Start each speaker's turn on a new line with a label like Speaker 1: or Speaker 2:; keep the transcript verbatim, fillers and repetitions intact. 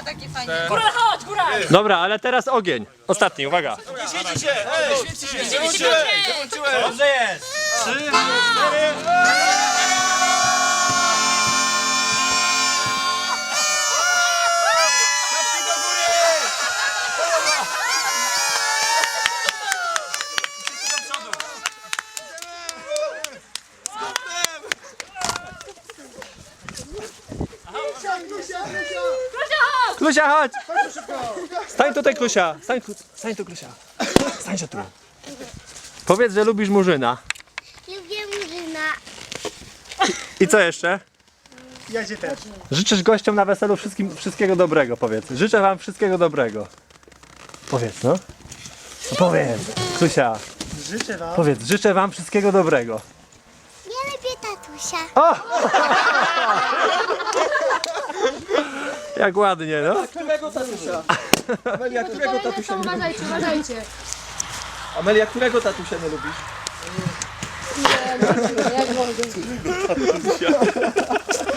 Speaker 1: takie fajne.
Speaker 2: Góral, chodź, góral!
Speaker 3: Dobra, ale teraz ogień. Ostatni, uwaga.
Speaker 4: Świecicie! Ej! Świecicie! Wyłączyłem!
Speaker 3: Dobrze jest.
Speaker 4: Trzy, cztery...
Speaker 3: Klusia, chodź! Stań tutaj, Klusia. Stań, stań tu, Klusia. Stań się tu. Powiedz, że lubisz Murzyna.
Speaker 5: Lubię Murzyna.
Speaker 3: I co jeszcze?
Speaker 6: Ja cię też.
Speaker 3: Życzysz gościom na weselu wszystkim, wszystkiego dobrego, powiedz. Życzę wam wszystkiego dobrego. Powiedz, no. No powiedz. Klusia,
Speaker 6: Życzę wam.
Speaker 3: powiedz, życzę wam wszystkiego dobrego.
Speaker 5: Ja lubię tatusia.
Speaker 3: O! Jak ładnie, no.
Speaker 4: Którego tatusia? Amelia, którego tatusia nie lubisz?
Speaker 2: Uważajcie, uważajcie.
Speaker 4: Amelia, którego tatusia nie lubisz?
Speaker 2: Nie, nie, jak mogę.